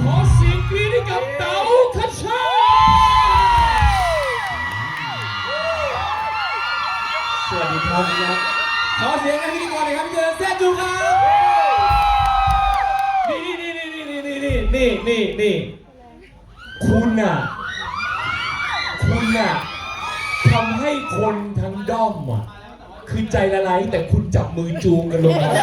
ขอเสียงกรี๊ดให้กับเต๋าคชาสวัสดีครับขอเสียงให้พิธีกรหน่อยครับพี่เจริญแซ่จูครับนี่คุณน่ะทำให้คนทั้งด้อมอ่ะคือใจละลายแต่คุณจับมือจูงกันลงมา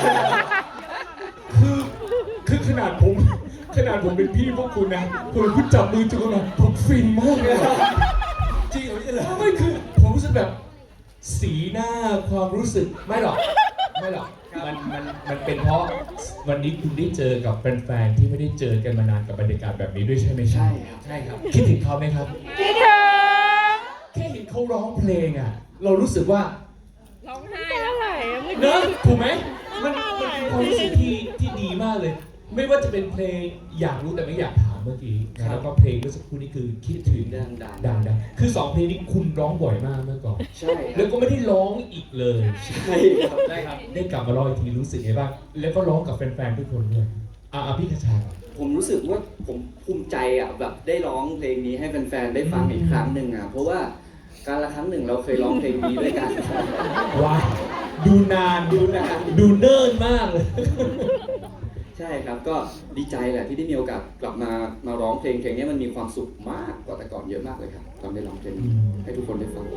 คือขนาดผมเป็นพี่พวกคุณนะคุณจับมือจูงกันมาผมฟินมากเลยจริงเหรอไม่คือผมรู้สึกแบบสีหน้าความรู้สึกไม่หรอกมันเป็นเพราะวันนี้คุณได้เจอกับแฟนๆที่ไม่ได้เจอกันมานานกับบรรยากาศแบบนี้ด้วยใช่ไหมใช่ครับคิดถึงเขาไหมครับคิดถึงแค่เห็นเขาร้องเพลงอ่ะเรารู้สึกว่าร้องไห้แล้วไหลเนอะถูกไหมมันเป็นความรู้สึกที่ดีมากเลยไม่ว่าจะเป็นเพลงอยากรู้แต่ไม่อยากถามเมื่อกี้แล้วก็เพลงเมื่อสักครู่นี้คือคิดถึงดังคือ2เพลงนี้คุณร้องบ่อยมากเมื่อก่อนใช่แล้วก็ไม่ได้ร้องอีกเลยใช่ครับได้กลับมาร้องอีกทีรู้สึกไงบ้างแล้วก็ร้องกับแฟนๆทุกคนด้วยพี่คชาผมรู้สึกว่าผมภูมิใจอ่ะแบบได้ร้องเพลงนี้ให้แฟนๆได้ฟังอีกครั้งหนึ่งอ่ะเพราะว่าการละครั้งหนึ่งเราเคยร้องเพลงนี้ด้วยกันว้าดูเนิ่นมากเลยใช่ครับก็ดีใจแหละที่ได้มีโอกาสกลับมาร้องเพลงนี้มันมีความสุขมากกว่าแต่ก่อนเยอะมากเลยครับตอนได้ร้องเพลงให้ทุกคนได้ฟัง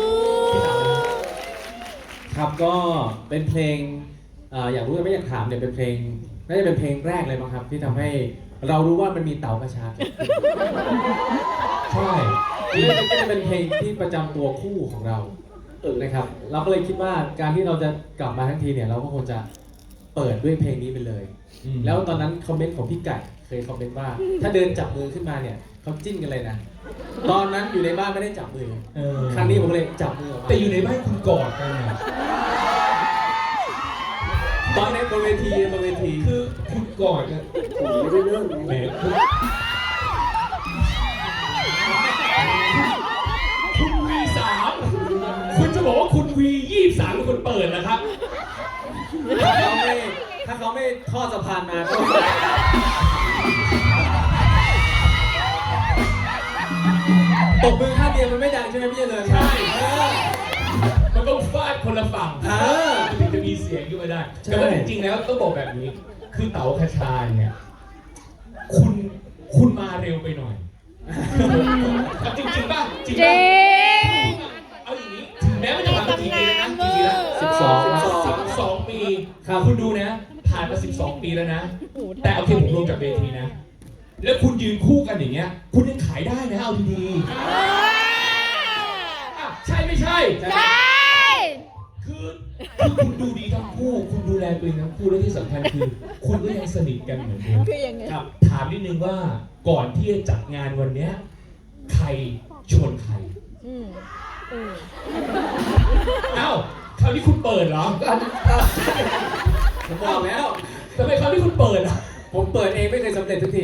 ครับก็เป็นเพลงอยากรู้แต่ไม่อยากถามเนี่ยเป็นเพลงน่าจะเป็นเพลงแรกเลยมั้งครับที่ทำให้เรารู้ว่ามันมีเต๋ากระชาใช่นี่ก็จะเป็นเพลงที่ประจำตัวคู่ของเรานะครับเราก็เลยคิดว่าการที่เราจะกลับมาทั้งทีเนี่ยเราก็คงจะเปิดด้วยเพลงนี้ไปเลยแล้วตอนนั้นคอมเมนต์ของพี่ไก่เคยคอมเมนต์ว่าถ้าเดินจับมือขึ้นมาเนี่ยเขาจิ้นกันเลยนะตอนนั้นอยู่ในบ้านไม่ได้จับมือครั้งนี้ผมเลยจับมือออกมาแต่อยู่ในบ้านคุณกอดกันนะตอนนี้บนเวทีคือคุณกอดกันผมไม่ได้เริ่มแหมคุณV3คุณจะบอกว่าคุณV23เป็นคนเปิดนะครับถ้าเขาไม่ทอดสะพานมาก็ตบมือข้างเดียวมันไม่ดังใช่ไหมพี่เจริญใช่มันต้องฟาดคนละฝั่งถึงจะมีเสียงขึ้นมาได้แต่ว่าจริงๆแล้วต้องบอกแบบนี้คือเต๋าคชาเนี่ยคุณมาเร็วไปหน่อยจริงป่ะจริงเอาอย่างนี้ถึงแม้ว่าจะผ่านมากี่ปีแล้วนะกี่ปีแล้ว12 ปีคุณดูนะผ่านมา12 ปีแล้วนะแต่โอเคผมลงจากเวทีนะแล้วคุณยืนคู่กันอย่างเงี้ยคุณยังขายได้นะเอาดีๆใช่ไม่ใช่ใช่คือคุณดูดีทั้งคู่คุณดูแลตัวเองทั้งคู่และที่สำคัญคือคุณก็ยังสนิทกันเหมือนเดิมครับถามนิดนึงว่าก่อนที่จะจัดงานวันนี้ใครชวนใครเอ้าคราวนี้คุณเปิดเหรอผมบอกแล้วทำไมคราวนี้คุณเปิดอ่ะผมเปิดเองไม่เคยสำเร็จทุกที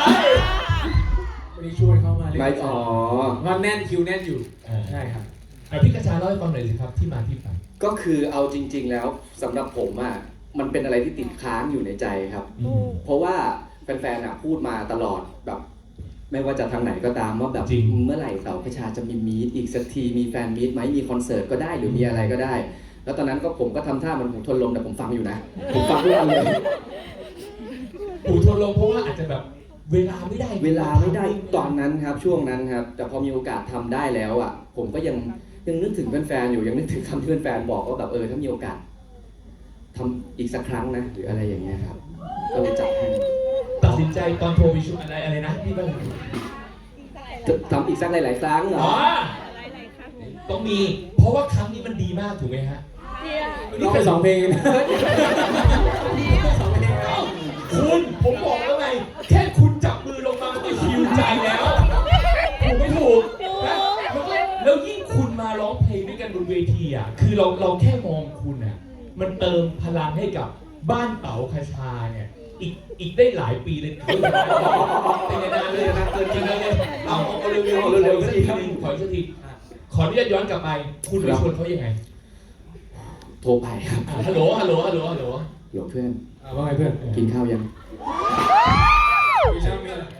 วันนี้ชวนเข้ามาเลยไม่วันแน่นคิวแน่นอยู่ใช่ครับพี่กระชาเล่าให้ฟังหน่อยสิครับที่มาที่ไปก็คือเอาจริงๆแล้วสำหรับผมอ่ะมันเป็นอะไรที่ติดค้างอยู่ในใจครับเพราะว่าแฟนๆพูดมาตลอดแบบไม่ว่าจะทางไหนก็ตามว่าแบบเมื่อไหร่เต๋าคชาจะมีมีตอีกสักทีมีแฟนมีตไหมมีคอนเสิร์ตก็ได้หรือมีอะไรก็ได้แล้วตอนนั้นก็ผมก็ทำท่ามันหูทนลมแต่ผมฟังอยู่นะผมฟังทุกวันเลยหูทนลมเพราะว่าอาจจะแบบเวลาไม่ได้ตอนนั้นครับช่วงนั้นครับแต่พอมีโอกาสทำได้แล้วอ่ะผมก็ยังนึกถึงแฟนๆอยู่ยังนึกถึงคำที่แฟนๆบอกว่าแบบถ้ามีโอกาสทำอีกสักครั้งนะหรืออะไรอย่างเงี้ยครับก็เลยจัดให้ตัดสินใจตอนโทรไปชุดอะไรนะพี่บ้างทำอีกสักหลายๆครั้งเหรอต้องมีเพราะว่าครั้งนี้มันดีมากถูกไหมฮะนี่เป็น2 เพลงนะคุณผมบอกแล้วไงแค่คุณจับมือลงมาก็หิวใจแล้วถูกไม่ถูกแล้วยิ่งคุณมาร้องเพลงด้วยกันบนเวทีอ่ะคือเราแค่มองคุณอ่ะมันเติมพลังให้กับบ้านเต๋าคชาเนี่ยอีกได้หลายปีเลยเป็นนานเลยนะเกินจริงเลยเอาเร็วๆสักทีนึงขออีกสักทีขออนุญาตย้อนกลับไปคุณไปชวนเขายังไงโทรไปครับฮัลโหลเพื่อนว่าไงเพื่อนกินข้าวยัง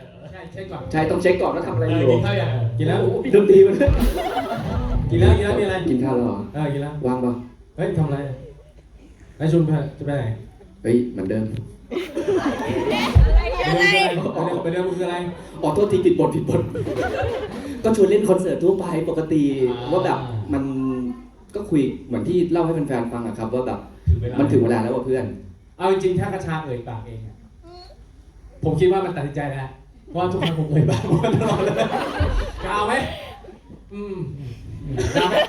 เช็คก่อนใช่ต้องเช็คก่อนว่าทำอะไรอยู่กินข้าวยังกินแล้วโอ้โหมีดนตรีมันด้วยกินแล้วมีอะไรกินข้าวแล้วเหรอกินแล้วว่างป่ะเฮ้ยทำอะไรไอ้ชุนจะไปไหนเฮ้ยเหมือนเดิมไปเดินคืออะไรอ๋อโทษทีผิดบทก็ชวนเล่นคอนเสิร์ตทั่วไปปกติอ่าว่าแบบมันก็คุยเหมือนที่เล่าให้แฟนๆฟังอะครับว่าแบบถึงเวลามันถึงเวลาแล้วว่ะเพื่อนเอาจริงๆถ้ากระชาเอ่ยปากเองอะผมคิดว่ามันตัดสินใจแล้วเพราะว่าทุกครั้งผมเอ่ยปากมันตลอดเลยจะเอาไหมจะเอาไหม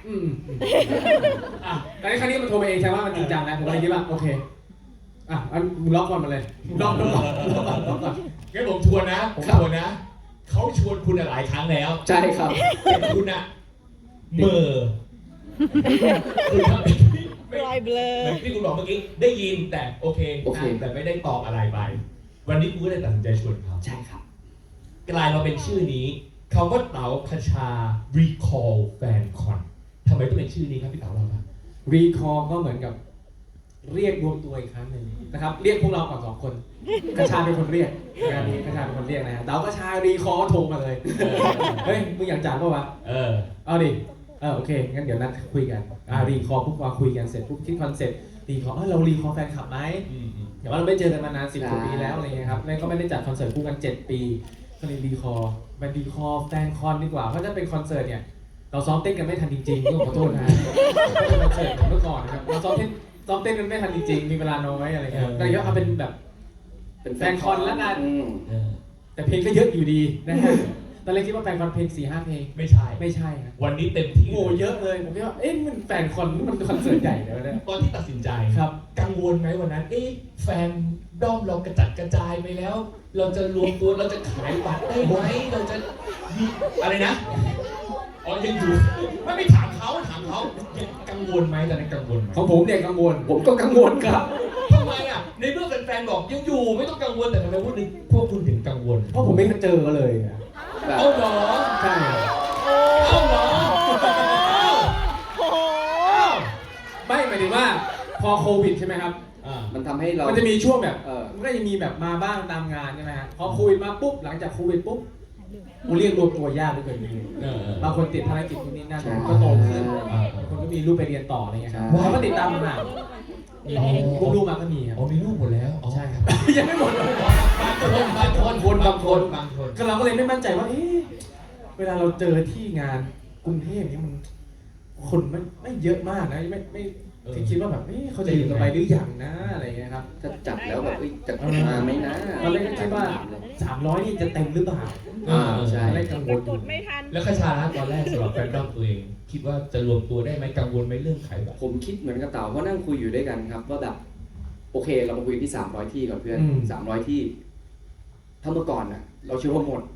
แต่ในครั้งนี้มันโทรมาเองใช่ว่ามันจริงจังนะผมก็เลยคิดว่าโอเคมึงล็อกก่อนมาเลยล็อกก่อนงั้นผมชวนนะเขาชวนคุณหลายครั้งแล้วใช่ครับแต่คุณอะเหม่อคุณทำไม่ลอยเบลอเหมือนที่คุณบอกเมื่อกี้ได้ยินแต่โอเคแต่ไม่ได้ตอบอะไรไป วันนี้กูก็เลยตัดสินใจชวนเขาใช่ครับกลายมาเป็นชื่อนี้คำว่าเต๋าคชา Recall Fan Con ทำไมต้องเป็นชื่อนี้ครับพี่เต๋าเราครับรีคอร์ก็เหมือนกับเรียกรวมตัวอีกครั้งหนึ่งนะครับเรียกพวกเราก่อน2 คนกระชาเป็นคนเรียกงานนี้กระชาเป็นคนเรียกนะฮะเต๋ากระชารีคอร์ก็โทรมาเลยเฮ้ยมึงอยากจ่ายป่าวะเอาดิโอเคงั้นเดี๋ยวนัดคุยกันรีคอร์ปุ๊บมาคุยกันเสร็จปุ๊บคิดคอนเซ็ปต์รีคอร์เรารีคอร์แฟนคลับไหมแต่ว่าเราไม่เจอกันมานาน10 กว่าปีแล้วอะไรเงี้ยครับแล้วก็ไม่ได้จัดคอนเสิร์ตคู่กัน7 ปีก็เลยรีคอร์เป็นรีคอร์แฟนคอนดีกว่าเพราะถ้าเป็นคอนเสิร์ตเนี่ยเราซ้อมเต้นกันไม่ทันจริงๆต้องขอโทษนะเป็นคอนเสิร์ตเมื่อก่อนนะครับเราซ้อมเต้นกันไม่ทันจริงๆมีเวลาน้อยอะไรเงี้ยแต่ก็เอาเป็นแบบแฟนคอนแล้วกันแต่เพลงก็เยอะอยู่ดีนะฮะตอนแรกคิดว่าแฟนคอนเพลง 4-5 เพลงไม่ใช่ครับวันนี้เต็มที่โอ้เยอะเลยผมคิดว่ามันแฟนคอนมันคอนเสิร์ตใหญ่เลยวะเนี่ยตอนที่ตัดสินใจครับกังวลไหมวันนั้นแฟนด้อมเรากระจัดกระจายไปแล้ว เราจะรวมตัวเราจะขายบัตรได้ไหมเราจะมีอะไรนะยังอยู่ไม่ถามเขายังกังวลไหมตอนนั้นกังวลไหมของผมเนี่ยกังวลผมก็กังวลครับทำไมอ่ะในเมื่อแฟนๆบอกยังอยู่ไม่ต้องกังวลแต่ทำไมพวกคุณถึงกังวลเพราะผมไม่เคยเจอมาเลยอะแบบเอาเหรอใช่เอาเหรอโอ้โหไม่หมายถึงว่าพอโควิดใช่ไหมครับมันทำให้เรามันจะมีช่วงแบบเออมันก็จะมีแบบมาบ้างตามงานใช่ไหมฮะพอโควิดมาปุ๊บหลังจากโควิดปุ๊บกูเรียกรวมตัวยากด้วยเกินนี้บางคนติดภารกิจนู่นนี่นั่นก็โตขึ้นคนก็มีลูกไปเรียนต่ออะไรเงี้ยครับเขาก็ติดตามมาพวกลูกมาก็มีครับมีลูกหมดแล้วอ๋อใช่ครับยังไม่หมดบางคนก็เราก็เลยไม่มั่นใจว่าเวลาเราเจอที่งานกรุงเทพนี่มันคนไม่เยอะมากนะไม่คิดว่าแบบเขาจะอยู่กันไปหรือยังนะอะไรเงี้ยครับถ้าจัดแล้วแบบจะมาไหมนะตอนแรกก็คิดว่า300นี่จะเต็มหรือเปล่าใช่ตอนแรกกังวลอก ยู่ดไม่ทันแล้วคชาตอนแรกสำหรับแฟนดอมตัวเอง คิดว่าจะรวมตัวได้ไหมกังวลไหมเรื่องขายบัตรผมคิดเหมือนกับเต๋าเพราะนั่งคุยอยู่ด้วยกันครับว่าแบบโอเคเรามาคุยที่300ที่ก่อนเพื่อน300ที่ถ้าเมื่อก่อนน่ะเราเชื่อว่าหมด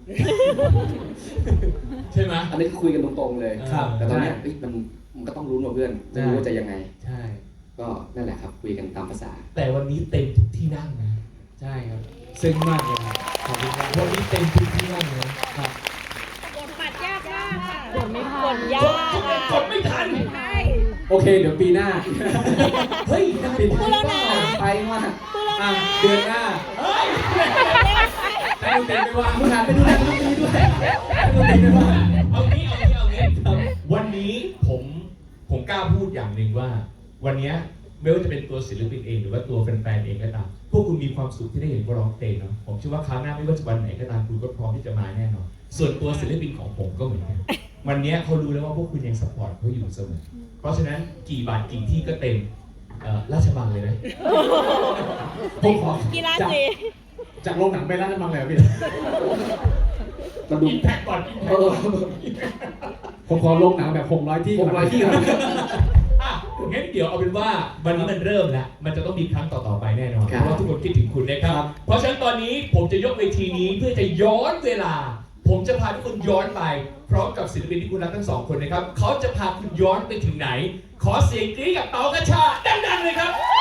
ใช่ไหมอันนี้คือคุยกันตรงๆเลยครับแต่ตอนเนี้ยมันก็ต้องรู้ว่าเพื่อนไม่รู้ว่าจะยังไงใช่ก็นั่นแหละครับคุยกันตามภาษาแต่วันนี้เต็มทุกที่นั่งนะใช่ครับซึ้งมากเลยครับขอบคุณครับวันนี้เต็มทุกที่นั่งเลยครับกดบัตรยากมากค่ะกดไม่ทันกดยากกดไม่ทันใช่โอเคเดี๋ยวปีหน้าเฮ้ยได้ปีหพูดน้าแล้วนะไปว่าพูดแล้วอ่ะนะเดือนหน้าเฮ้ยให้ดนตรีไปว่ามึงหันไปดูนักดนตรีด้วยให้ดนตรีไปว่าเอางี้วันนี้ผมกล้าพูดอย่างหนึ่งว่า วันนี้ไม่ว่าจะเป็นตัวศิลปินเองหรือว่าตัวแฟนๆเองก็ตามพวกคุณมีความสุขที่ได้เห็นว่าร้องเพลงเนาะผมเชื่อว่าครั้งหน้าไม่ว่าจะวันไหนก็ตามคุณก็พร้อมที่จะมาแน่นอนส่วนตัวศิลปินของผมก็เหมือนกันวันนี้เขารู้แล้วว่าพวกคุณยังซัพพอร์ตเขาอยู่เสมอเพราะฉะนั้นกี่บาทกี่ที่ก็เต็มราชบังเลยนะผมขอกีฬาจากสีจากโรงหนังไปร้านบังเลยพี่มันดูอิมแพคก่อนเออผมขอโรงหนังแบบ600 ที่ก่อน 600 ที่ก่อนงั้นเดี๋ยวเอาเป็นว่าวันนี้มันเริ่มแล้วมันจะต้องมีครั้งต่อๆไปแน่นอนครัเพบราะว่าทุกคนคิดถึงคุณนะครับ เพราะฉะนั้นตอนนี้ผมจะยกเวทีนี้เพื่อจะย้อนเวลา ผมจะพาทุกคนย้อนไปพร้อมกับศิลปินที่คุณรักทั้งสองคนนะครับเขาจะพาคุณย้อนไปถึงไหน ขอเสียงกรี๊ดกับเต๋ากระชาดังๆเลยครับ